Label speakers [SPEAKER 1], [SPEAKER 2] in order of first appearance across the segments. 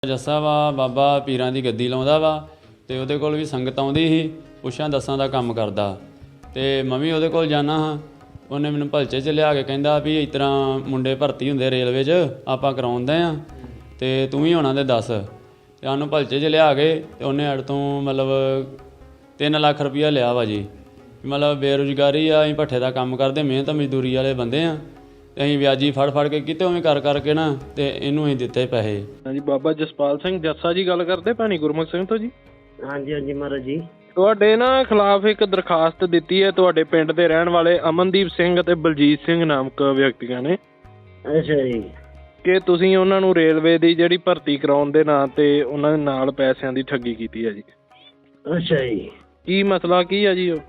[SPEAKER 1] ਜੱਸਾ ਵਾ ਬਾਬਾ ਪੀਰਾਂ ਦੀ ਗੱਦੀ ਲਾਉਂਦਾ ਵਾ ਅਤੇ ਉਹਦੇ ਕੋਲ ਵੀ ਸੰਗਤ ਆਉਂਦੀ ਸੀ। ਪੁੱਛਾਂ ਦੱਸਾਂ ਦਾ ਕੰਮ ਕਰਦਾ ਅਤੇ ਮੈਂ ਵੀ ਉਹਦੇ ਕੋਲ ਜਾਂਦਾ ਹਾਂ। ਉਹਨੇ ਮੈਨੂੰ ਭਲਚੇ 'ਚ ਲਿਆ ਕੇ ਕਹਿੰਦਾ ਵੀ ਇਸ ਤਰ੍ਹਾਂ ਮੁੰਡੇ ਭਰਤੀ ਹੁੰਦੇ ਰੇਲਵੇ 'ਚ, ਆਪਾਂ ਕਰਾਉਂਦੇ ਹਾਂ ਅਤੇ ਤੂੰ ਵੀ ਉਹਨਾਂ ਦੇ ਦੱਸ। ਅਤੇ ਸਾਨੂੰ ਭਲਚੇ 'ਚ ਲਿਆ ਕੇ ਅਤੇ ਉਹਨੇ ਸਾਡੇ ਤੋਂ ਮਤਲਬ 3 ਲੱਖ ਰੁਪਈਆ ਲਿਆ ਵਾ ਜੀ। ਮਤਲਬ ਬੇਰੁਜ਼ਗਾਰੀ ਆ, ਅਸੀਂ ਭੱਠੇ ਦਾ ਕੰਮ ਕਰਦੇ, ਮਿਹਨਤ ਮਜ਼ਦੂਰੀ ਵਾਲੇ ਬੰਦੇ ਹਾਂ। ਅਤੇ ਅਸੀਂ ਵਿਆਜੀ ਫੜ ਕੇ ਕਿਤੇ ਉਵੇਂ ਕਰਕੇ ਨਾ ਅਤੇ ਇਹਨੂੰ ਅਸੀਂ ਦਿੱਤੇ ਪੈਸੇ।
[SPEAKER 2] ਹਾਂਜੀ, ਬਾਬਾ ਜਸਪਾਲ ਸਿੰਘ ਜੱਸਾ ਜੀ ਗੱਲ ਕਰਦੇ, ਭੈਣੀ ਗੁਰਮੁਖ ਸਿੰਘ ਤੋਂ ਜੀ।
[SPEAKER 3] ਹਾਂਜੀ ਹਾਂਜੀ ਮਹਾਰਾਜ ਜੀ।
[SPEAKER 2] ਤੁਹਾਡੇ ਨਾ ਖਿਲਾਫ ਇੱਕ ਦਰਖਾਸਤ ਦਿੱਤੀ ਹੈ ਤੁਹਾਡੇ ਪਿੰਡ ਦੇ ਰਹਿਣ ਵਾਲੇ ਅਮਨਦੀਪ ਸਿੰਘ ਅਤੇ ਬਲਜੀਤ ਸਿੰਘ ਨਾਮਕ ਵਿਅਕਤੀਆਂ ਨੇ।
[SPEAKER 3] ਅੱਛਾ ਜੀ।
[SPEAKER 2] ਕਿ ਤੁਸੀਂ ਉਹਨਾਂ ਨੂੰ ਰੇਲਵੇ ਦੀ ਜਿਹੜੀ ਭਰਤੀ ਕਰਾਉਣ ਦੇ ਨਾਂ 'ਤੇ ਉਹਨਾਂ ਦੇ ਨਾਲ ਪੈਸਿਆਂ ਦੀ ਠੱਗੀ ਕੀਤੀ ਹੈ ਜੀ।
[SPEAKER 3] ਅੱਛਾ ਜੀ।
[SPEAKER 2] ਕੀ ਮਸਲਾ ਕੀ ਹੈ ਜੀ ਉਹ?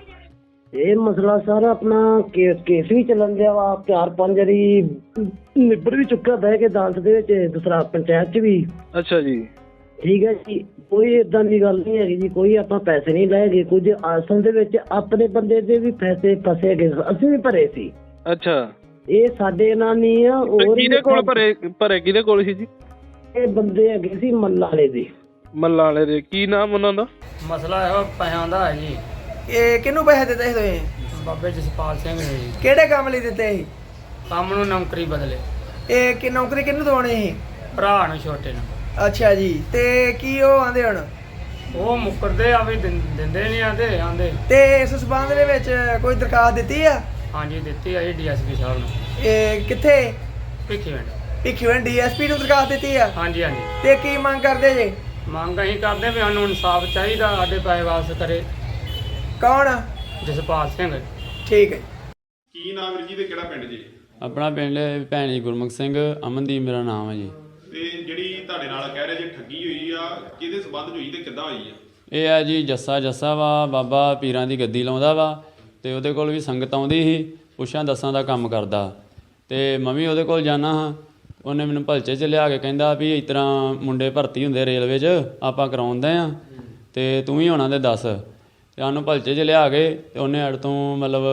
[SPEAKER 3] ਇਹ ਮਸਲਾ ਸਰ ਆਪਣਾ ਕੇਸ ਵੀ ਚੱਲਣ ਦਿਆ ਵਾ, 4-5 ਵਾਰੀ ਨਿਬੜ ਵੀ ਚੁੱਕਾ ਬਹਿ ਕੇ ਅਦਾਲਤ ਦੇ ਵਿੱਚ, ਦੂਸਰਾ ਪੰਚਾਇਤ 'ਚ ਵੀ।
[SPEAKER 2] ਅੱਛਾ ਜੀ।
[SPEAKER 3] ਠੀਕ ਹੈ ਜੀ, ਕੋਈ ਏਦਾਂ ਦੀ ਗੱਲ ਨਹੀਂ ਹੈਗੀ ਜੀ, ਕੋਈ ਆਪਾਂ ਪੈਸੇ ਨਹੀਂ ਲਏ ਗਏ। ਕੁਝ ਅਸਲ ਦੇ ਵਿੱਚ ਆਪਣੇ ਬੰਦੇ ਦੇ ਵੀ ਪੈਸੇ ਫਸੇ ਗਏ, ਅਸੀਂ ਵੀ ਭਰੇ ਸੀ।
[SPEAKER 2] ਅੱਛਾ,
[SPEAKER 3] ਇਹ ਸਾਡੇ ਨਾਲ ਨਹੀਂ ਆ। ਹੋਰ
[SPEAKER 2] ਕਿਹਦੇ ਕੋਲ ਭਰੇ ਕਿਹਦੇ ਕੋਲ ਸੀ ਜੀ?
[SPEAKER 3] ਇਹ ਬੰਦੇ ਹੈਗੇ ਸੀ ਮੱਲਾ ਵਾਲੇ ਦੇ।
[SPEAKER 2] ਮੱਲਾ ਵਾਲੇ ਦੇ ਕੀ ਨਾਮ ਉਹਨਾਂ ਦਾ?
[SPEAKER 1] ਮਸਲਾ ਇਹੋ ਪੈਸਿਆਂ ਦਾ ਹੈ ਜੀ।
[SPEAKER 4] ਇਹ ਕਿਹਨੂੰ ਪੈਸੇ ਦਿੱਤੇ ਸੀ ਤੁਸੀਂ?
[SPEAKER 1] ਬਾਬੇ ਜਸਪਾਲ ਸਿੰਘ ਨੇ ਜੀ।
[SPEAKER 4] ਕਿਹੜੇ ਕੰਮ ਲਈ ਦਿੱਤੇ ਸੀ?
[SPEAKER 1] ਕੰਮ ਨੂੰ ਨੌਕਰੀ ਬਦਲੇ,
[SPEAKER 4] ਇਹ ਕਿ ਨੌਕਰੀ ਕਿਹਨੂੰ ਦਵਾਉਣੀ ਸੀ?
[SPEAKER 1] ਭਰਾ ਨੂੰ ਛੋਟੇ ਨੂੰ।
[SPEAKER 4] ਅੱਛਾ ਜੀ, ਤੇ ਕੀ ਉਹ ਆਂਦੇ ਹੁਣ?
[SPEAKER 1] ਉਹ ਮੁੱਕਰਦੇ ਆ ਵੀ ਦਿੰਦੇ ਨਹੀਂ ਆਂਦੇ।
[SPEAKER 4] ਤੇ ਇਸ ਸਬੰਧ ਦੇ ਵਿੱਚ ਕੋਈ ਦਰਖਾਸਤ ਦਿੱਤੀ ਆ?
[SPEAKER 1] ਹਾਂਜੀ ਦਿੱਤੀ ਆ ਜੀ ਡੀਐਸਪੀ ਸਾਹਿਬ ਨੂੰ।
[SPEAKER 4] ਇਹ ਕਿੱਥੇ?
[SPEAKER 1] ਭਿੱਖੀਵਿੰਡ।
[SPEAKER 4] ਭਿੱਖੀਵਿੰਡ ਡੀਐਸਪੀ ਨੂੰ ਦਰਖਾਸਤ ਦਿੱਤੀ ਆ?
[SPEAKER 1] ਹਾਂਜੀ।
[SPEAKER 4] ਤੇ ਕੀ ਮੰਗ ਕਰਦੇ ਜੇ?
[SPEAKER 1] ਮੰਗ ਅਸੀਂ ਕਰਦੇ ਵੀ ਸਾਨੂੰ ਇਨਸਾਫ ਚਾਹੀਦਾ, ਸਾਡੇ ਪੈਸੇ ਵਾਪਸ ਕਰੇ।
[SPEAKER 4] ਕੌਣ?
[SPEAKER 1] ਜਸਪਾਲ ਸਿੰਘ।
[SPEAKER 4] ਠੀਕ ਹੈ।
[SPEAKER 5] ਕੀ ਨਾਮ ਵੀਰ ਜੀ ਤੇ ਕਿਹੜਾ ਪਿੰਡ ਜੀ?
[SPEAKER 1] ਆਪਣਾ ਪਿੰਡ ਭੈਣੀ ਗੁਰਮੁਖ ਸਿੰਘ, ਅਮਨਦੀਪ ਮੇਰਾ ਨਾਮ ਹੈ ਜੀ।
[SPEAKER 5] ਤੇ ਜਿਹੜੀ ਤੁਹਾਡੇ ਨਾਲ ਕਹਿ ਰਹੇ ਜੇ ਠੱਗੀ ਹੋਈ ਆ, ਕਿਹਦੇ ਸਬੰਧ 'ਚ ਹੋਈ ਤੇ ਕਿੱਦਾਂ ਹੋਈ ਆ?
[SPEAKER 1] ਇਹ ਹੈ ਜੀ ਜੱਸਾ ਵਾ ਬਾਬਾ ਪੀਰਾਂ ਦੀ ਗੱਦੀ ਲਾਉਂਦਾ ਵਾ ਅਤੇ ਉਹਦੇ ਕੋਲ ਵੀ ਸੰਗਤ ਆਉਂਦੀ ਸੀ। ਪੁੱਛਾਂ ਦੱਸਾਂ ਦਾ ਕੰਮ ਕਰਦਾ ਅਤੇ ਮੈਂ ਵੀ ਉਹਦੇ ਕੋਲ ਜਾਂਦਾ ਹਾਂ। ਉਹਨੇ ਮੈਨੂੰ ਭਲਚੇ 'ਚ ਲਿਆ ਕੇ ਕਹਿੰਦਾ ਵੀ ਇਸ ਤਰ੍ਹਾਂ ਮੁੰਡੇ ਭਰਤੀ ਹੁੰਦੇ ਰੇਲਵੇ 'ਚ, ਆਪਾਂ ਕਰਾਉਂਦੇ ਹਾਂ ਅਤੇ ਤੂੰ ਵੀ ਉਹਨਾਂ ਦੇ ਦੱਸ। ਅਤੇ ਸਾਨੂੰ ਭਲਚੇ 'ਚ ਲਿਆ ਕੇ ਅਤੇ ਉਹਨੇ ਸਾਡੇ ਤੋਂ ਮਤਲਬ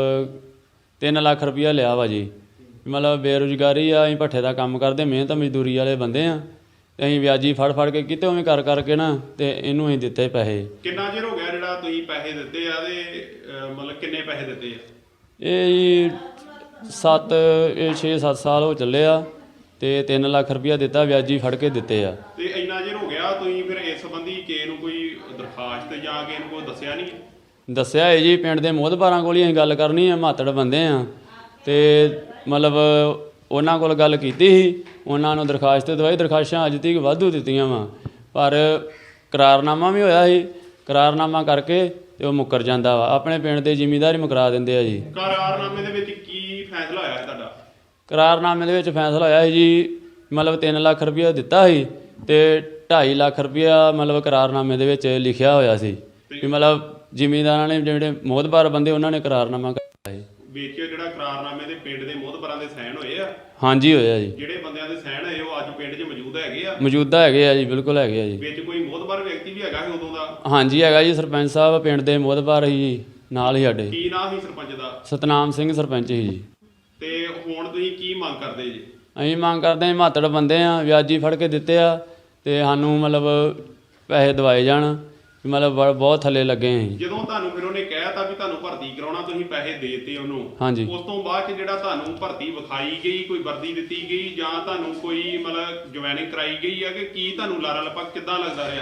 [SPEAKER 1] 3 ਲੱਖ ਰੁਪਈਆ ਲਿਆ ਵਾ ਜੀ। ਮਤਲਬ ਬੇਰੁਜ਼ਗਾਰੀ ਆ, ਅਸੀਂ ਭੱਠੇ ਦਾ ਕੰਮ ਕਰਦੇ, ਮਿਹਨਤ ਮਜ਼ਦੂਰੀ ਵਾਲੇ ਬੰਦੇ ਹਾਂ। ਅਤੇ ਅਸੀਂ ਵਿਆਜੀ ਫੜ ਕੇ ਕਿਤੇ ਉਵੇਂ ਕਰਕੇ ਨਾ ਅਤੇ ਇਹਨੂੰ ਅਸੀਂ ਦਿੱਤੇ ਪੈਸੇ।
[SPEAKER 5] ਕਿੰਨਾ ਚਿਰ ਹੋ ਗਿਆ ਜਿਹੜਾ ਤੁਸੀਂ ਪੈਸੇ ਦਿੱਤੇ ਆ ਤੇ ਮਤਲਬ ਕਿੰਨੇ ਪੈਸੇ ਦਿੱਤੇ ਆ?
[SPEAKER 1] ਇਹ ਜੀ 6-7 ਸਾਲ ਹੋ ਚੱਲੇ ਆ ਅਤੇ 3 ਲੱਖ ਰੁਪਈਆ ਦਿੱਤਾ, ਵਿਆਜੀ ਫੜ ਕੇ ਦਿੱਤੇ ਆ।
[SPEAKER 5] ਤੇ ਇੰਨਾ ਚਿਰ ਹੋ ਗਿਆ, ਤੁਸੀਂ ਫਿਰ ਇਸ ਸੰਬੰਧੀ ਕਿਸੇ ਨੂੰ ਕੋਈ ਦਰਖਾਸਤ ਜਾਂ ਕਿਸੇ ਨੂੰ ਕੋਈ ਦੱਸਿਆ ਨਹੀਂ?
[SPEAKER 1] ਦੱਸਿਆ ਹੈ ਜੀ, ਪਿੰਡ ਦੇ ਮੋਹਤਬਾਰਾਂ ਕੋਲ ਹੀ ਅਸੀਂ ਗੱਲ ਕਰਨੀ ਆ, ਮਾਤੜ ਬੰਦੇ ਆ ਅਤੇ ਮਤਲਬ ਉਹਨਾਂ ਕੋਲ ਗੱਲ ਕੀਤੀ ਸੀ, ਉਹਨਾਂ ਨੂੰ ਦਰਖਾਸਤ ਦਵਾਈ। ਦਰਖਾਸਤਾਂ ਅੱਜ ਤੱਕ ਵਾਧੂ ਦਿੱਤੀਆਂ ਵਾ, ਪਰ ਕਰਾਰਨਾਮਾ ਵੀ ਹੋਇਆ ਸੀ। ਕਰਾਰਨਾਮਾ ਕਰਕੇ ਅਤੇ ਉਹ ਮੁੱਕਰ ਜਾਂਦਾ ਵਾ। ਆਪਣੇ ਪਿੰਡ ਦੇ ਜ਼ਿਮੀਂਦਾਰ ਹੀ ਮੁਕਰਾ ਦਿੰਦੇ ਆ ਜੀ।
[SPEAKER 5] ਕਰਾਰਨਾਮੇ ਦੇ ਵਿੱਚ ਕੀ ਫੈਸਲਾ ਹੋਇਆ ਹੈ ਤੁਹਾਡਾ?
[SPEAKER 1] ਕਰਾਰਨਾਮੇ ਦੇ ਵਿੱਚ ਫੈਸਲਾ ਹੋਇਆ ਸੀ ਜੀ, ਮਤਲਬ 3 ਲੱਖ ਰੁਪਈਆ ਦਿੱਤਾ ਸੀ ਅਤੇ 2.5 ਲੱਖ ਰੁਪਈਆ ਮਤਲਬ ਕਰਾਰਨਾਮੇ ਦੇ ਵਿੱਚ ਲਿਖਿਆ ਹੋਇਆ ਸੀ ਵੀ ਮਤਲਬ ਜ਼ਿਮੀਂਦਾਰਾਂ ਨੇ, ਜਿਹੜੇ ਮੋਹਤਬਾਰ ਬੰਦੇ, ਉਹਨਾਂ ਨੇ ਕਰਾਰਨਾਮਾ ਕੀਤਾ ਸੀ।
[SPEAKER 5] ਵਿੱਚ ਜਿਹੜਾ ਕਰਾਰਨਾਮੇ ਦੇ ਪਿੰਡ ਦੇ ਮੋਹਤਬਰਾਂ ਦੇ ਸਾਈਨ ਹੋਏ ਆ?
[SPEAKER 1] ਹਾਂਜੀ ਹੋਇਆ ਜੀ।
[SPEAKER 5] ਜਿਹੜੇ ਬੰਦਿਆਂ ਦੇ ਸਾਈਨ ਹੋਏ ਉਹ ਅੱਜ ਪਿੰਡ 'ਚ ਮੌਜੂਦ ਹੈਗੇ ਆ?
[SPEAKER 1] ਮੌਜੂਦਾ ਹੈਗੇ ਆ ਜੀ, ਬਿਲਕੁਲ ਹੈਗੇ ਆ ਜੀ।
[SPEAKER 5] ਵਿੱਚ ਕੋਈ ਮੋਹਤਬਰ ਵਿਅਕਤੀ ਵੀ ਹੈਗਾ ਸੀ ਉਦੋਂ ਦਾ?
[SPEAKER 1] ਹਾਂਜੀ ਹੈਗਾ ਜੀ, ਸਰਪੰਚ ਸਾਹਿਬ ਪਿੰਡ ਦੇ ਮੋਹਤਬਾਰ ਸੀ ਜੀ, ਨਾਲ ਹੀ ਸਾਡੇ।
[SPEAKER 5] ਕੀ ਨਾਮ ਸੀ ਸਰਪੰਚ ਦਾ?
[SPEAKER 1] ਸਤਨਾਮ ਸਿੰਘ ਸਰਪੰਚ ਸੀ ਜੀ।
[SPEAKER 5] ਤੇ ਹੁਣ ਤੁਸੀਂ ਕੀ ਮੰਗ ਕਰਦੇ ਜੀ?
[SPEAKER 1] ਅਸੀਂ ਮੰਗ ਕਰਦੇ ਹਾਂ, ਮਾਤੜ ਬੰਦੇ ਆ, ਵਿਆਜੀ ਫੜ ਕੇ ਦਿੱਤੇ ਆ ਅਤੇ ਸਾਨੂੰ ਮਤਲਬ ਪੈਸੇ ਦਵਾਏ ਜਾਣ। ਮਤਲਬ ਬਹੁਤ ਥੱਲੇ ਲੱਗੇ ਅਸੀਂ।
[SPEAKER 5] ਜਦੋਂ ਤੁਹਾਨੂੰ ਫਿਰ ਉਹਨੇ ਕਹਿਤਾ ਵੀ ਤੁਹਾਨੂੰ ਭਰਤੀ ਕਰਾਉਣਾ, ਤੁਸੀਂ ਪੈਸੇ ਦੇਤੇ ਉਹਨੂੰ।
[SPEAKER 1] ਹਾਂਜੀ।
[SPEAKER 5] ਉਸ ਤੋਂ ਬਾਅਦ 'ਚ ਜਿਹੜਾ ਤੁਹਾਨੂੰ ਭਰਤੀ ਵਿਖਾਈ ਗਈ, ਕੋਈ ਵਰਦੀ ਦਿੱਤੀ ਗਈ ਜਾਂ ਤੁਹਾਨੂੰ ਕੋਈ ਮਤਲਬ ਜੁਆਇਨਿੰਗ ਕਰਾਈ ਗਈ ਆ ਕਿ ਕੀ ਤੁਹਾਨੂੰ ਲਾਰਾ ਲੱਪਾ ਕਿੱਦਾਂ ਲੱਗਦਾ ਰਿਹਾ?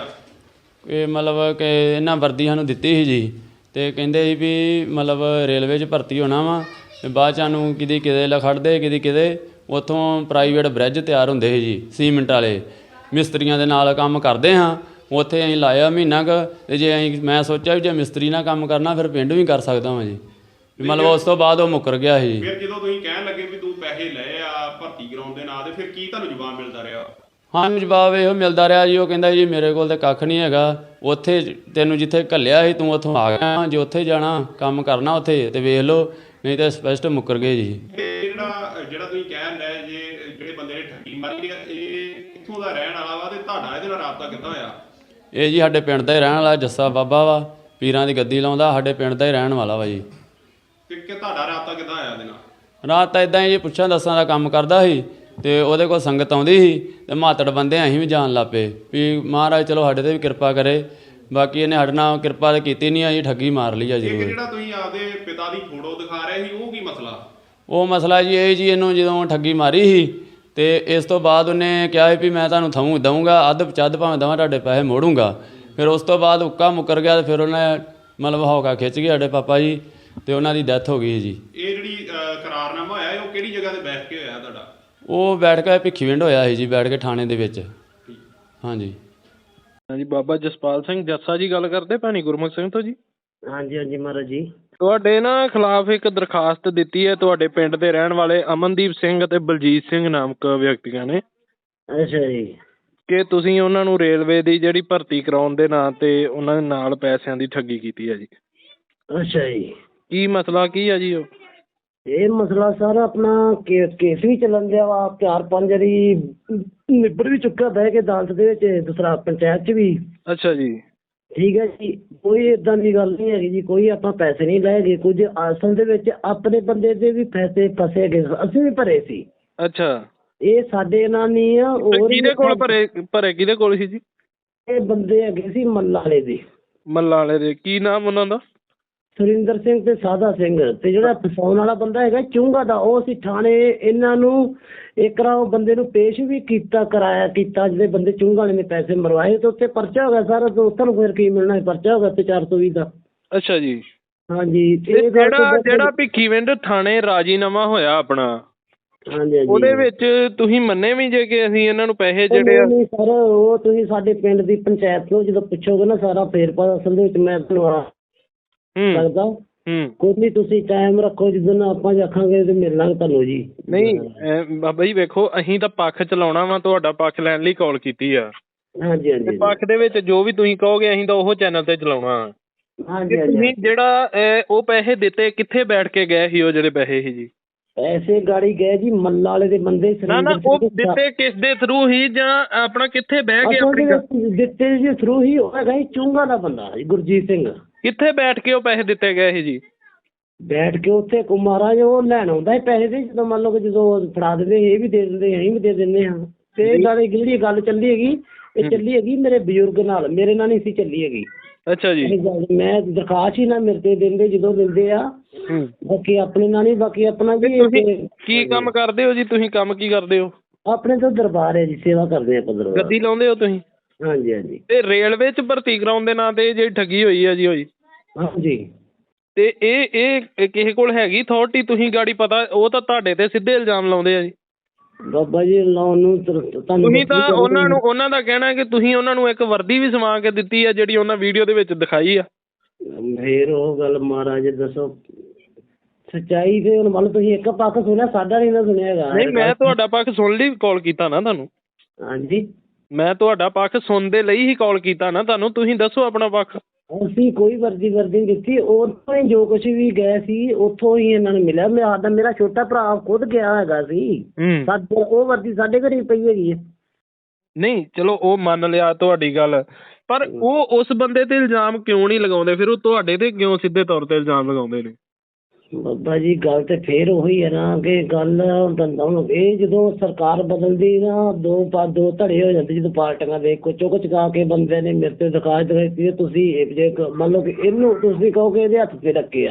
[SPEAKER 1] ਇਹ ਮਤਲਬ ਕਿ ਇਹਨਾਂ ਵਰਦੀ ਸਾਨੂੰ ਦਿੱਤੀ ਸੀ ਜੀ ਅਤੇ ਕਹਿੰਦੇ ਸੀ ਵੀ ਮਤਲਬ ਰੇਲਵੇ 'ਚ ਭਰਤੀ ਹੋਣਾ ਵਾ। ਅਤੇ ਬਾਅਦ 'ਚ ਸਾਨੂੰ ਕਿਤੇ ਖੜ੍ਹਦੇ, ਕਿਤੇ ਉੱਥੋਂ ਪ੍ਰਾਈਵੇਟ ਬ੍ਰਿਜ ਤਿਆਰ ਹੁੰਦੇ ਸੀ ਜੀ, ਸੀਮਿੰਟ ਵਾਲੇ ਮਿਸਤਰੀਆਂ ਦੇ ਨਾਲ ਕੰਮ ਕਰਦੇ ਹਾਂ। ਉੱਥੇ ਅਸੀਂ ਲਾਇਆ ਮਹੀਨਾ ਕੁ, ਅਤੇ ਜੇ ਮੈਂ ਸੋਚਿਆ ਵੀ ਜੇ ਮਿਸਤਰੀ ਨਾਲ ਕੰਮ ਕਰਨਾ ਫਿਰ ਪਿੰਡ ਵੀ ਕਰ ਸਕਦਾ ਵਾਂ ਜੀ। ਮਤਲਬ ਉਸ ਤੋਂ ਬਾਅਦ ਉਹ ਮੁੱਕਰ ਗਿਆ ਸੀ।
[SPEAKER 5] ਫਿਰ ਜਦੋਂ ਤੁਸੀਂ ਕਹਿਣ ਲੱਗੇ ਵੀ ਤੂੰ ਪੈਸੇ ਲਏ ਆ ਭਰਤੀ ਕਰਾਉਣ ਦੇ ਨਾਂ 'ਤੇ, ਫਿਰ ਕੀ ਤੁਹਾਨੂੰ ਜਵਾਬ ਮਿਲਦਾ ਰਿਹਾ?
[SPEAKER 1] ਸਾਨੂੰ ਜਵਾਬ ਇਹੋ ਮਿਲਦਾ ਰਿਹਾ ਜੀ, ਉਹ ਕਹਿੰਦਾ ਜੀ ਮੇਰੇ ਕੋਲ ਤਾਂ ਕੱਖ ਨਹੀਂ ਹੈਗਾ, ਉੱਥੇ ਤੈਨੂੰ ਜਿੱਥੇ ਘੱਲਿਆ ਸੀ ਤੂੰ ਉੱਥੋਂ ਆ ਗਿਆ, ਜੇ ਉੱਥੇ ਜਾਣਾ ਕੰਮ ਕਰਨਾ ਉੱਥੇ ਤੇ ਵੇਖ ਲਓ, ਨਹੀਂ ਤਾਂ ਸਪਸ਼ਟ ਮੁੱਕਰ ਗਏ ਜੀ।
[SPEAKER 5] ਜਿਹੜਾ ਤੁਸੀਂ ਕਹਿਣ ਰਹੇ ਜੇ ਜਿਹੜੇ ਬੰਦੇ ਨੇ ਠੱਗੀ ਮਾਰੀ ਆ, ਇਹ ਕਿੱਥੋਂ ਦਾ ਰਹਿਣ ਵਾਲਾ ਵਾ ਤੇ ਤੁਹਾਡਾ ਇਹਦੇ ਨਾਲ ਰਾਬਤਾ ਕਿੱਦਾਂ ਹੋਇਆ?
[SPEAKER 1] ਇਹ ਜੀ ਸਾਡੇ ਪਿੰਡ ਦਾ ਹੀ ਰਹਿਣ ਵਾਲਾ ਜੱਸਾ ਬਾਬਾ ਵਾ, ਪੀਰਾਂ ਦੀ ਗੱਦੀ ਲਾਉਂਦਾ, ਸਾਡੇ ਪਿੰਡ ਦਾ ਹੀ ਰਹਿਣ ਵਾਲਾ ਵਾ ਜੀ।
[SPEAKER 5] ਤੇ ਕਿ ਤੁਹਾਡਾ ਰਾਬਤਾ ਕਿੱਦਾਂ ਆਇਆ ਇਹਦੇ ਨਾਲ?
[SPEAKER 1] ਰਾਤ ਤਾਂ ਇੱਦਾਂ ਹੀ ਜੀ, ਪੁੱਛਾਂ ਦੱਸਾਂ ਦਾ ਕੰਮ ਕਰਦਾ ਸੀ ਤੇ ਉਹਦੇ ਕੋਲ ਸੰਗਤ ਆਉਂਦੀ ਸੀ ਤੇ ਮਾਤੜ ਬੰਦੇ ਅਸੀਂ ਵੀ ਜਾਣ ਲੱਗ ਪਏ ਵੀ ਮਹਾਰਾਜ ਚਲੋ ਸਾਡੇ ਤੇ ਵੀ ਕਿਰਪਾ ਕਰੇ। ਬਾਕੀ ਇਹਨੇ ਸਾਡੇ ਨਾਲ ਕਿਰਪਾ ਤਾਂ ਕੀਤੀ ਨਹੀਂ ਆ ਜੀ, ਠੱਗੀ ਮਾਰ ਲਈ ਆ
[SPEAKER 5] ਇੱਕ
[SPEAKER 1] ਜ਼ਰੂਰ।
[SPEAKER 5] ਜਿਹੜਾ ਤੁਸੀਂ ਆਪਦੇ ਪਿਤਾ ਦੀ ਫੋਟੋ ਦਿਖਾ ਰਹੇ ਸੀ ਉਹ ਕੀ ਮਸਲਾ?
[SPEAKER 1] ਉਹ ਮਸਲਾ ਜੀ ਇਹ ਜੀ, ਇਹਨੂੰ ਜਦੋਂ ਠੱਗੀ ਮਾਰੀ ਸੀ ਤੇ ਇਸ ਤੋਂ ਬਾਅਦ ਉਹਨੇ ਕਿਹਾ ਵੀ ਮੈਂ ਤੁਹਾਨੂੰ ਦਊਂਗਾ ਅੱਧ ਚੱਦ ਭਾਵੇਂ ਦਵਾਂ ਤੁਹਾਡੇ ਪੈਸੇ ਮੋੜੂੰਗਾ। ਫਿਰ ਉਸ ਤੋਂ ਬਾਅਦ ਉੱਕਾ ਮੁੱਕਰ ਗਿਆ ਤੇ ਫਿਰ ਉਹਨੇ ਮਤਲਬ ਹੌਕਾ ਖਿੱਚ ਗਏ ਸਾਡੇ ਪਾਪਾ ਜੀ ਤੇ ਉਹਨਾਂ ਦੀ ਡੈਥ ਹੋ ਗਈ ਜੀ।
[SPEAKER 5] ਇਹ ਜਿਹੜੀ ਕਰਾਰਨਾਮਾ ਹੋਇਆ ਉਹ ਕਿਹੜੀ ਜਗ੍ਹਾ ਤੇ ਬੈਠ ਕੇ ਹੋਇਆ ਤੁਹਾਡਾ?
[SPEAKER 1] ਉਹ ਬੈਠ ਕੇ ਭਿੱਖੀਵਿੰਡ ਹੋਇਆ ਸੀ ਜੀ, ਬੈਠ ਕੇ ਥਾਣੇ ਦੇ ਵਿੱਚ। ਹਾਂਜੀ
[SPEAKER 2] ਹਾਂਜੀ, ਬਾਬਾ ਜਸਪਾਲ ਸਿੰਘ ਜੱਸਾ ਜੀ ਗੱਲ ਕਰਦੇ ਭੈਣੀ ਗੁਰਮੁਖ ਸਿੰਘ ਤੋਂ ਜੀ?
[SPEAKER 3] ਹਾਂਜੀ ਹਾਂਜੀ ਮਹਾਰਾਜ ਜੀ।
[SPEAKER 2] ਤੁਹਾਡੇ ਨਾ ਖਿਲਾਫ ਇੱਕ ਦਰਖਾਸਤ ਦਿੱਤੀ ਹੈ ਤੁਹਾਡੇ ਪਿੰਡ ਦੇ ਰਹਿਣ ਵਾਲੇ ਅਮਨਦੀਪ ਸਿੰਘ ਅਤੇ ਬਲਜੀਤ ਸਿੰਘ ਨਾਮਕ ਵਿਅਕਤੀਆਂ ਨੇ
[SPEAKER 3] ਅੱਛਾ ਜੀ।
[SPEAKER 2] ਕਿ ਤੁਸੀਂ ਉਹਨਾਂ ਨੂੰ ਰੇਲਵੇ ਦੀ ਜਿਹੜੀ ਭਰਤੀ ਕਰਾਉਣ ਦੇ ਨਾਂ ਤੇ ਉਹਨਾਂ ਦੇ ਨਾਲ ਪੈਸਿਆਂ ਦੀ ਠੱਗੀ ਕੀਤੀ ਹੈ ਜੀ।
[SPEAKER 3] ਅੱਛਾ ਜੀ।
[SPEAKER 2] ਕੀ ਮਸਲਾ ਕੀ ਹੈ ਜੀ ਉਹ?
[SPEAKER 3] ਇਹ ਮਸਲਾ ਸਰ ਆਪਣਾ ਕੇਸ ਵੀ ਚੱਲਣ ਦਿਆ ਵਾ, 4-5 ਵਾਰੀ ਨਿਬੜ ਵੀ ਚੁੱਕਾ ਬਹਿ ਕੇ ਅਦਾਲਤ ਦੇ ਵਿੱਚ, ਦੂਸਰਾ ਪੰਚਾਇਤ 'ਚ ਵੀ।
[SPEAKER 2] ਅੱਛਾ ਜੀ।
[SPEAKER 3] ਠੀਕ ਹੈ ਜੀ, ਕੋਈ ਇਦਾਂ ਦੀ ਗੱਲ ਨਹੀਂ ਹੈਗੀ ਜੀ, ਕੋਈ ਆਪਾਂ ਪੈਸੇ ਨਹੀਂ ਲਏ ਗਏ। ਕੁਝ ਅਸਲ ਦੇ ਵਿੱਚ ਆਪਣੇ ਬੰਦੇ ਦੇ ਵੀ ਪੈਸੇ ਫਸੇ ਗਏ, ਅਸੀਂ ਵੀ ਭਰੇ ਸੀ।
[SPEAKER 2] ਅੱਛਾ,
[SPEAKER 3] ਇਹ ਸਾਡੇ ਨਾਲ ਨਹੀਂ ਆ। ਹੋਰ
[SPEAKER 2] ਕਿਹਦੇ ਕੋਲ ਭਰੇ ਕਿਹਦੇ ਕੋਲ ਸੀ ਜੀ?
[SPEAKER 3] ਇਹ ਬੰਦੇ ਹੈਗੇ ਸੀ ਮੱਲਾ ਵਾਲੇ ਦੇ।
[SPEAKER 2] ਮੱਲਾ ਵਾਲੇ ਦੇ ਕੀ ਨਾਮ ਉਹਨਾਂ ਦਾ?
[SPEAKER 3] ਸੁਰਿੰਦਰ ਸਿੰਘ ਤੇ ਸਾਦਾ ਸਿੰਘ। ਤੇ ਜਿਹੜਾ ਫਸਾਉਣ ਵਾਲਾ ਬੰਦਾ ਹੈਗਾ ਚੁੰਗਾ ਦਾ, ਉਹ ਅਸੀਂ ਥਾਣੇ ਇਹਨਾਂ ਨੂੰ ਇੱਕ ਵਾਰ ਉਹ ਬੰਦੇ ਨੂੰ ਪੇਸ਼ ਵੀ ਕਰਾਇਆ ਜਿਹੜੇ ਬੰਦੇ ਚੁੰਗਾ ਵਾਲੇ ਨੇ ਪੈਸੇ ਮਰਵਾਏ ਤੇ ਉੱਤੇ ਪਰਚਾ ਹੋ ਗਿਆ ਸਾਰਾ। ਤੇ ਉੱਥੇ ਨੂੰ ਫਿਰ ਕੀ ਮਿਲਣਾ, ਪਰਚਾ ਹੋ ਗਿਆ ਤੇ 420 ਦਾ।
[SPEAKER 2] ਅੱਛਾ ਜੀ।
[SPEAKER 3] ਹਾਂਜੀ।
[SPEAKER 2] ਤੇ ਜਿਹੜਾ ਭਿੱਖੀਵਿੰਡ ਥਾਣੇ ਰਾਜੀਨਾਮਾ ਹੋਇਆ ਆਪਣਾ,
[SPEAKER 3] ਹਾਂਜੀ ਹਾਂਜੀ,
[SPEAKER 2] ਉਹਦੇ ਵਿੱਚ ਤੁਸੀਂ ਮੰਨੇ ਵੀ ਜੇ ਕਿ ਅਸੀਂ ਇਹਨਾਂ ਨੂੰ ਪੈਸੇ ਜਿਹੜੇ
[SPEAKER 3] ਨਹੀਂ ਸਰ, ਉਹ ਤੁਸੀਂ ਸਾਡੇ ਪਿੰਡ ਦੀ ਪੰਚਾਇਤ ਨੂੰ ਜਦੋਂ ਪੁੱਛੋਗੇ ਨਾ ਸਾਰਾ ਫੇਰ ਪਾ ਅਸਲ ਦੇ ਵਿੱਚ ਮੈਂ ਤੁਹਾਨੂੰ ਲੱਗਦਾ ਕੋਈ ਨਹੀਂ, ਤੁਸੀਂ ਟਾਈਮ ਰੱਖੋ ਜਦੋਂ ਆਪਾਂ ਆਖਾਂਗੇ ਤੇ ਮਿਲ ਲਾਂਗੇ ਤੁਹਾਨੂੰ ਜੀ।
[SPEAKER 2] ਨਹੀਂ ਬਾਬਾ ਜੀ ਵੇਖੋ, ਅਸੀਂ ਤਾਂ ਪੱਖ ਚਲਾਉਣਾ ਵਾ, ਤੁਹਾਡਾ ਪੱਖ ਲੈਣ ਲਈ ਕਾਲ ਕੀਤੀ ਆ।
[SPEAKER 3] ਹਾਂਜੀ ਹਾਂਜੀ,
[SPEAKER 2] ਪੱਖ ਦੇ ਵਿੱਚ ਜੋ ਵੀ ਤੁਸੀਂ ਕਹੋਗੇ ਅਸੀਂ ਤਾਂ ਉਹ ਚੈਨਲ ਤੇ ਚਲਾਉਣਾ।
[SPEAKER 3] ਹਾਂਜੀ
[SPEAKER 2] ਤੁਸੀਂ
[SPEAKER 3] ਹਾਂਜੀ।
[SPEAKER 2] ਜਿਹੜਾ ਉਹ ਪੈਸੇ ਦਿੱਤੇ ਕਿੱਥੇ ਬੈਠ ਕੇ ਗਏ ਸੀ? ਉਹ ਜਿਹੜੇ ਪੈਸੇ ਸੀ ਜੀ
[SPEAKER 3] ਪੈਸੇ ਗਾੜੀ ਗਏ ਜੀ ਮੱਲਾ ਵਾਲੇ ਦੇ ਬੰਦੇ।
[SPEAKER 2] ਨਾ ਉਹ ਦਿੱਤੇ ਕਿਸ ਦੇ ਥਰੂ ਹੀ ਜਾਂ ਆਪਣਾ ਕਿੱਥੇ ਬਹਿ ਕੇ ਆਪਣੀ
[SPEAKER 3] ਦਿੱਤੇ ਜੀ ਥਰੂ ਹੀ ਹੋਏਗਾ ਜੀ, ਚੁੰਗਾ ਦਾ ਬੰਦਾ ਗੁਰਜੀਤ ਸਿੰਘ।
[SPEAKER 2] ਕਿੱਥੇ ਬੈਠ ਕੇ ਉਹ ਪੈਸੇ ਦਿੱਤੇ ਗਏ ਸੀ ਜੀ?
[SPEAKER 3] ਬੈਠ ਕੇ ਉੱਥੇ ਮਹਾਰਾਜ ਉਹ ਲੈਣ ਆਉਂਦਾ ਸੀ ਪੈਸੇ ਦੇ, ਜਦੋਂ ਮੰਨ ਲਓ ਕਿ ਜਦੋਂ ਫੜਾ ਦਿੰਦੇ ਇਹ ਵੀ ਦੇ ਦਿੰਦੇ ਅਸੀਂ ਵੀ ਦੇ ਦਿੰਦੇ ਹਾਂ। ਤੇ ਇਹ ਗੱਲ ਜਿਹੜੀ ਗੱਲ ਚੱਲੀ ਹੈਗੀ, ਇਹ ਚੱਲੀ ਹੈਗੀ ਮੇਰੇ ਬਜ਼ੁਰਗ ਨਾਲ, ਮੇਰੇ ਨਾਲ ਨਹੀਂ ਸੀ ਚੱਲੀ ਹੈਗੀ।
[SPEAKER 2] ਅੱਛਾ ਜੀ।
[SPEAKER 3] ਮੈਂ ਦਰਖਾਸਤ ਹੀ ਨਾ ਮੇਰੇ ਤੇ ਦਿੰਦੇ ਜਦੋਂ ਦਿੰਦੇ ਆ, ਬਾਕੀ ਆਪਣੇ ਨਾਲ ਨਹੀਂ, ਬਾਕੀ ਆਪਣਾ ਜੀ।
[SPEAKER 2] ਕੀ ਕੰਮ ਕਰਦੇ ਹੋ ਜੀ ਤੁਸੀਂ? ਕੰਮ ਕੀ ਕਰਦੇ ਹੋ?
[SPEAKER 3] ਆਪਣੇ ਤੋਂ ਦਰਬਾਰ ਹੈ ਜੀ, ਸੇਵਾ ਕਰਦੇ ਆਪਾਂ ਦਰਬਾਰ।
[SPEAKER 2] ਗੱਦੀ ਲਾਉਂਦੇ ਹੋ ਤੁਸੀਂ?
[SPEAKER 3] ਹਾਂਜੀ ਹਾਂਜੀ।
[SPEAKER 2] ਤੇ ਰੇਲਵੇ 'ਚ ਭਰਤੀ ਕਰਾਉਣ ਦੇ ਨਾਂ ਤੇ ਜਿਹੜੀ ਠੱਗੀ ਹੋਈ ਆ ਜੀ ਹੋਈ?
[SPEAKER 3] ਹਾਂਜੀ।
[SPEAKER 2] ਤੇ ਇਹ ਕਿਸੇ ਕੋਲ ਹੈਗੀ ਅਥਾਰਟੀ? ਤੁਸੀਂ ਗਾੜੀ ਪਤਾ, ਉਹ ਤਾਂ ਤੁਹਾਡੇ ਤੇ ਸਿੱਧੇ ਇਲਜ਼ਾਮ ਲਾਉਂਦੇ ਆ ਜੀ।
[SPEAKER 3] ਬਾਬਾ ਜੀ ਲਾਉਣ ਨੂੰ
[SPEAKER 2] ਤੁਸੀਂ ਤਾਂ ਉਹਨਾਂ ਦਾ ਕਹਿਣਾ ਕਿ ਤੁਸੀਂ ਉਹਨਾਂ ਨੂੰ ਇੱਕ ਵਰਦੀ ਵੀ ਸਵਾ ਕੇ ਦਿੱਤੀ ਆ ਜਿਹੜੀ ਉਹਨਾਂ ਵੀਡੀਓ ਦੇ ਵਿੱਚ ਦਿਖਾਈ ਆ।
[SPEAKER 3] ਫੇਰ ਉਹ ਗੱਲ ਮਹਾਰਾਜ ਦੱਸੋ ਸੱਚਾਈ। ਤੇ ਹੁਣ ਮੰਨ ਤੁਸੀਂ ਇੱਕ ਪੱਖ ਸੁਣਿਆ, ਸਾਡਾ ਨਹੀਂ ਨਾ ਸੁਣਿਆ ਹੈਗਾ।
[SPEAKER 2] ਨਹੀਂ, ਮੈਂ ਤੁਹਾਡਾ ਪੱਖ ਸੁਣ ਲਈ ਕਾਲ ਕੀਤਾ ਨਾ ਤੁਹਾਨੂੰ।
[SPEAKER 3] ਹਾਂਜੀ,
[SPEAKER 2] ਮੈਂ ਤੁਹਾਡਾ ਪੱਖ ਸੁਣਨ ਦੇ ਲਈ ਹੀ ਕਾਲ ਕੀਤਾ ਨਾ ਤੁਹਾਨੂੰ। ਤੁਸੀਂ ਦੱਸੋ ਆਪਣਾ ਪੱਖ।
[SPEAKER 3] ਅਸੀਂ ਕੋਈ ਵਰਦੀ ਨਹੀਂ ਦਿੱਤੀ। ਉੱਥੋਂ ਹੀ ਜੋ ਕੁਛ ਵੀ ਗਏ ਸੀ ਉੱਥੋਂ ਹੀ ਇਹਨਾਂ ਨੂੰ ਮਿਲਿਆ। ਮੇਰਾ ਛੋਟਾ ਭਰਾ ਖੁਦ ਗਿਆ ਹੈਗਾ ਸੀ, ਉਹ ਵਰਦੀ ਸਾਡੇ ਘਰੇ ਪਈ ਹੈਗੀ ਹੈ।
[SPEAKER 2] ਨਹੀਂ ਚਲੋ ਉਹ ਮੰਨ ਲਿਆ ਤੁਹਾਡੀ ਗੱਲ, ਪਰ ਉਹ ਉਸ ਬੰਦੇ ਤੇ ਇਲਜ਼ਾਮ ਕਿਉਂ ਨਹੀਂ ਲਗਾਉਂਦੇ? ਫਿਰ ਉਹ ਤੁਹਾਡੇ ਤੇ ਕਿਉਂ ਸਿੱਧੇ ਤੌਰ ਤੇ ਇਲਜ਼ਾਮ ਲਗਾਉਂਦੇ ਨੇ?
[SPEAKER 3] ਬਾਬਾ ਜੀ ਗੱਲ ਤੇ ਫੇਰ ਉਹੀ ਹੈ ਨਾ ਕਿ ਗੱਲ ਇਹ ਜਦੋਂ ਸਰਕਾਰ ਬਦਲਦੀ ਨਾ ਦੋ ਧੜੇ ਹੋ ਜਾਂਦੇ, ਜਦੋਂ ਪਾਰਟੀਆਂ ਦੇ ਚੁੱਕ ਚੁਕਾ ਕੇ ਬੰਦੇ ਨੇ ਮੇਰੇ ਤੇ ਦਰਖਾਸਤ ਦਿੱਤੀ। ਤੁਸੀਂ ਜੇ ਮੰਨ ਲਓ ਕਿ ਇਹਨੂੰ ਤੁਸੀਂ ਕਹੋ ਕਿ ਇਹਦੇ ਹੱਥ ਤੇ ਰੱਖੇ ਆ।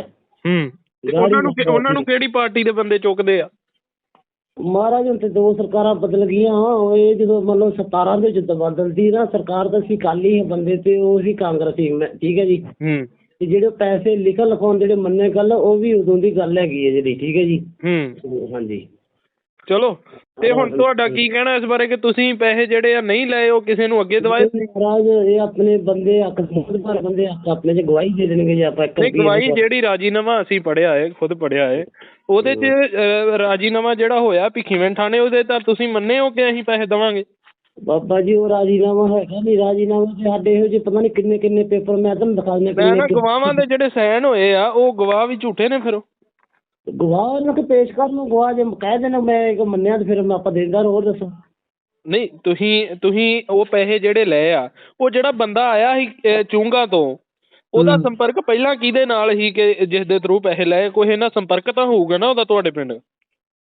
[SPEAKER 2] ਉਹਨਾਂ ਨੂੰ ਕਿਹੜੀ ਪਾਰਟੀ ਦੇ ਬੰਦੇ ਚੁੱਕਦੇ ਆ?
[SPEAKER 3] ਮਹਾਰਾਜ ਹੁਣ ਤੇ 2 ਸਰਕਾਰਾਂ ਬਦਲ ਗਈਆਂ। ਇਹ ਜਦੋਂ ਮੰਨ ਲਓ 17 ਦੇ ਵਿੱਚ ਬਦਲਦੀ ਨਾ ਸਰਕਾਰ, ਤਾਂ ਅਸੀਂ ਅਕਾਲੀ ਬੰਦੇ ਤੇ ਉਹ ਸੀ ਕਾਂਗਰਸੀ। ਠੀਕ ਹੈ ਜੀ। ਤੇ ਜਿਹੜੇ ਪੈਸੇ ਲਿਖਾਉਣ ਜਿਹੜੇ ਮੰਨੇ ਗੱਲ, ਉਹ ਵੀ ਉਦੋਂ ਦੀ ਗੱਲ ਹੈਗੀ ਹੈ ਜਿਹੜੀ। ਠੀਕ ਹੈ ਜੀ। ਹਾਂਜੀ
[SPEAKER 2] ਚਲੋ। ਤੇ ਹੁਣ ਤੁਹਾਡਾ ਕੀ ਕਹਿਣਾ ਇਸ ਬਾਰੇ ਕਿ ਤੁਸੀਂ ਪੈਸੇ ਜਿਹੜੇ ਆ ਨਹੀਂ ਲਏ, ਉਹ ਕਿਸੇ ਨੂੰ ਅੱਗੇ ਦਵਾਏ?
[SPEAKER 3] ਮਹਾਰਾਜ ਇਹ ਆਪਣੇ ਬੰਦੇ ਬੰਦੇ ਆਪਣੇ ਚ ਗਵਾਹੀ ਦੇ ਦੇਣਗੇ ਜੇ ਆਪਾਂ ਇੱਕ
[SPEAKER 2] ਗਵਾਹੀ ਜਿਹੜੀ ਰਾਜੀਨਾਮਾ ਅਸੀਂ ਪੜ੍ਹਿਆ ਹੈ, ਖੁਦ ਪੜ੍ਹਿਆ ਹੈ, ਉਹਦੇ ਚ ਰਾਜੀਨਾਮਾ ਜਿਹੜਾ ਹੋਇਆ ਭਿੱਖੀਵਿੰਡ ਥਾਣੇ, ਉਹਦੇ ਤਾਂ ਤੁਸੀਂ ਮੰਨੇ ਹੋ ਕਿ ਅਸੀਂ ਪੈਸੇ ਦੇਵਾਂਗੇ?
[SPEAKER 3] ਬਾਬਾ ਜੀ ਉਹ ਰਾਜੀਨਾਮਾ ਹੈਗਾ ਨਹੀਂ। ਰਾਜੀਨਾਮਾ ਤੇ ਸਾਡੇ ਇਹੋ ਜਿਹੇ ਪਤਾ ਨਹੀਂ ਕਿੰਨੇ ਕਿੰਨੇ ਪੇਪਰ ਮੈਂ ਤੁਹਾਨੂੰ ਦਿਖਾ ਦਿੰਦਾ।
[SPEAKER 2] ਮੈਂ ਨਾ ਗਵਾਹਾਂ ਦੇ ਜਿਹੜੇ ਸਾਈਨ ਹੋਏ ਆ ਉਹ ਗਵਾਹ ਵੀ ਝੂਠੇ ਨੇ। ਫਿਰ
[SPEAKER 3] ਗਵਾਹ ਉਹਨਾਂ ਕੇ ਪੇਸ਼ ਕਰ ਨੂੰ, ਗਵਾਹ ਜੇ ਕਹਿ ਦੇਣਾ ਮੈਂ ਇੱਕ ਮੰਨਿਆ ਤੇ ਫਿਰ ਮੈਂ ਆਪਾਂ ਦੇਦਾ। ਹੋਰ ਦੱਸੋ।
[SPEAKER 2] ਨਹੀਂ ਤੁਸੀਂ ਉਹ ਪੈਸੇ ਜਿਹੜੇ ਲਏ ਆ, ਉਹ ਜਿਹੜਾ ਬੰਦਾ ਆਇਆ ਸੀ ਚੁੰਗਾ ਤੋਂ, ਉਹਦਾ ਸੰਪਰਕ ਪਹਿਲਾਂ ਕਿਹਦੇ ਨਾਲ ਸੀ ਕਿ ਜਿਸ ਦੇ ਥਰੂ ਪੈਸੇ ਲਏ? ਕੋਈ ਇਹਨਾਂ ਸੰਪਰਕ ਤਾਂ ਹੋਊਗਾ ਨਾ ਉਹਦਾ ਤੁਹਾਡੇ ਪਿੰਡ?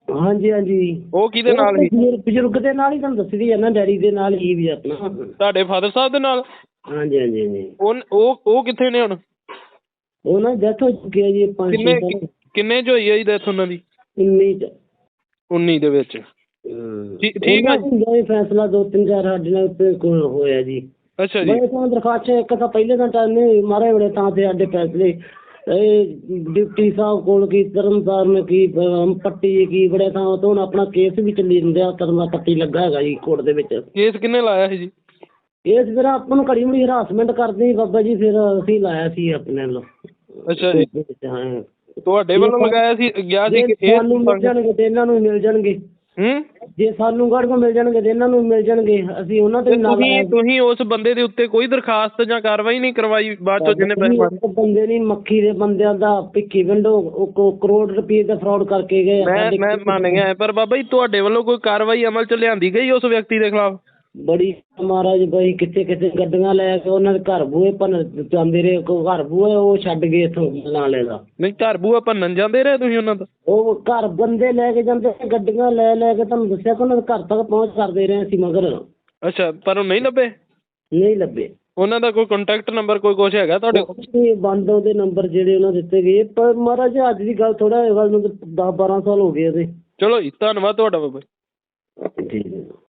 [SPEAKER 3] ਹਾਂਜੀ ਹਾਂਜੀ।
[SPEAKER 2] ਉਹ ਕਿਹਦੇ ਨਾਲ ਸੀ?
[SPEAKER 3] ਬਜ਼ੁਰਗ ਦੇ ਨਾਲ ਹੀ ਤੁਹਾਨੂੰ ਦੱਸਦੀ ਆ ਨਾ, ਡੈਡੀ ਦੇ ਨਾਲ ਹੀ ਵੀ ਆਪਣਾ।
[SPEAKER 2] ਤੁਹਾਡੇ ਫਾਦਰ ਸਾਹਿਬ ਦੇ ਨਾਲ?
[SPEAKER 3] ਹਾਂਜੀ ਹਾਂਜੀ ਹਾਂਜੀ।
[SPEAKER 2] ਉਹ ਕਿੱਥੇ ਨੇ ਹੁਣ?
[SPEAKER 3] ਉਹ ਨਾ ਡੈਥ ਹੋ ਚੁੱਕੀ ਹੈ ਜੀ 5-6 ਸਾਲ।
[SPEAKER 2] ਕਿੰਨੇ ਚ ਹੋਈ ਹੈ ਜੀ ਡੈਥ ਉਹਨਾਂ ਦੀ?
[SPEAKER 3] 19 ਚ।
[SPEAKER 2] 19 ਦੇ ਵਿੱਚ। ਠੀਕ ਹੈ
[SPEAKER 3] ਜੀ। ਫੈਸਲਾ 2-3-4 ਸਾਡੇ ਨਾਲ ਉੱਤੇ ਹੋਇਆ ਜੀ।
[SPEAKER 2] ਅੱਛਾ ਜੀ।
[SPEAKER 3] ਮੈਂ ਤਾਂ ਦਰਖਾਸਤ ਇੱਕ ਤਾਂ ਪਹਿਲੇ ਤਾਂ ਟਾਈਮ ਮਾਰੇ ਬੜੇ ਤਾਂ ਤੇ ਸਾਡੇ ਫੈਸਲੇ ਇਹ ਡਿਪਟੀ ਸਾਹਿਬ ਕੋਲ ਕੀ, ਤਰਨਤਾਰਨ ਕੀ, ਪੱਟੀ ਕੀ, ਬੜੇ ਥਾਂ ਤੋਂ ਹੁਣ ਆਪਣਾ ਕੇਸ ਵੀ ਚੱਲੀ ਜਾਂਦਾ, ਤਰਨਾ ਪੱਟੀ ਲੱਗਾ ਹੈਗਾ ਜੀ ਕੋਰਟ ਦੇ ਵਿੱਚ।
[SPEAKER 2] ਕੇਸ ਕਿੰਨੇ ਲਾਇਆ ਸੀ ਜੀ?
[SPEAKER 3] ਇਸ ਫਿਰ ਆਪਾਂ ਨੂੰ ਘੜੀ ਮੁੜੀ ਹਰਾਸਮੈਂਟ ਕਰਦੇ ਸੀ ਬਾਬਾ ਜੀ, ਫਿਰ ਅਸੀਂ ਲਾਇਆ ਸੀ ਆਪਣੇ ਵੱਲੋਂ।
[SPEAKER 2] ਅੱਛਾ ਜੀ।
[SPEAKER 3] ਹਾਂ
[SPEAKER 2] ਤੁਹਾਡੇ ਵੱਲੋਂ ਲਗਾਇਆ ਸੀ? ਗਿਆ ਸੀ ਕਿ
[SPEAKER 3] ਸਾਨੂੰ ਮਿਲ ਜਾਣਗੇ ਤੇ ਇਹਨਾਂ ਨੂੰ ਮਿਲ ਜਾਣਗੇ। ਜੇ ਸਾਨੂੰ ਗੜ ਕੋ ਮਿਲ ਜਾਣਗੇ ਤੇ ਇਹਨਾਂ ਨੂੰ ਮਿਲ ਜਾਣਗੇ, ਅਸੀਂ ਉਹਨਾਂ ਤੇ ਨਾਲ।
[SPEAKER 2] ਤੁਸੀਂ ਉਸ ਬੰਦੇ ਦੇ ਉੱਤੇ ਕੋਈ ਦਰਖਾਸਤ ਜਾਂ ਕਾਰਵਾਈ ਨਹੀਂ ਕਰਵਾਈ ਬਾਅਦ ਚੋਂ ਜਿਹਨੇ ਪੈਸੇ ਮਾਰੇ?
[SPEAKER 3] ਬੰਦੇ ਨਹੀਂ, ਮੱਖੀ ਦੇ ਬੰਦਿਆਂ ਦਾ ਭਿੱਖੀ ਵਿੰਡੋ ਕਰੋੜ ਰੁਪਏ ਦਾ ਫਰਾਡ ਕਰਕੇ ਗਏ।
[SPEAKER 2] ਮੈਂ ਮੰਨ ਗਿਆ, ਪਰ ਬਾਬਾ ਜੀ ਤੁਹਾਡੇ ਵੱਲੋਂ ਕੋਈ ਕਾਰਵਾਈ ਅਮਲ ਚ ਲਿਆਂਦੀ ਗਈ ਉਸ ਵਿਅਕਤੀ ਦੇ ਖਿਲਾਫ?
[SPEAKER 3] ਬੜੀ ਮਹਾਰਾਜ ਬਾਈ, ਕਿੱਥੇ ਗੱਡੀਆਂ ਲੈ ਕੇ ਉਹਨਾਂ ਦੇ ਘਰ ਬੂਹੇ ਭੰਨ ਜਾਂਦੇ ਰਹੇ। ਘਰ ਬੂਹੇ ਉਹ ਛੱਡ ਗਏ ਇੱਥੋਂ ਨਾਲੇ ਦਾ।
[SPEAKER 2] ਨਹੀਂ, ਘਰ ਬੂਹਾ ਭੰਨਣ ਜਾਂਦੇ ਰਹੇ ਤੁਸੀਂ ਉਹਨਾਂ ਦਾ?
[SPEAKER 3] ਉਹ ਘਰ ਬੰਦੇ ਲੈ ਕੇ ਜਾਂਦੇ, ਗੱਡੀਆਂ ਲੈ ਕੇ, ਤੁਹਾਨੂੰ ਦੱਸਿਆ ਕਿ ਉਹਨਾਂ ਦੇ ਘਰ ਤੱਕ ਪਹੁੰਚ ਕਰਦੇ ਰਹੇ ਅਸੀਂ ਮਗਰ।
[SPEAKER 2] ਅੱਛਾ, ਪਰ ਉਹ ਨਹੀਂ ਲੱਭੇ?
[SPEAKER 3] ਨਹੀਂ ਲੱਭੇ।
[SPEAKER 2] ਉਹਨਾਂ ਦਾ ਕੋਈ ਕੰਟੈਕਟ ਨੰਬਰ ਕੋਈ ਕੁਛ ਹੈਗਾ ਤੁਹਾਡੇ ਕੋਲ?
[SPEAKER 3] ਬੰਦ ਉਹਦੇ ਨੰਬਰ ਜਿਹੜੇ ਉਹਨਾਂ ਦਿੱਤੇ ਗਏ, ਪਰ ਮਹਾਰਾਜ ਅੱਜ ਦੀ ਗੱਲ ਥੋੜਾ ਗੱਲ ਨੂੰ 10-12 ਸਾਲ ਹੋ ਗਏ ਉਹਦੇ।
[SPEAKER 2] ਚਲੋ ਜੀ, ਧੰਨਵਾਦ ਤੁਹਾਡਾ ਬਾਬਾ
[SPEAKER 3] ਜੀ।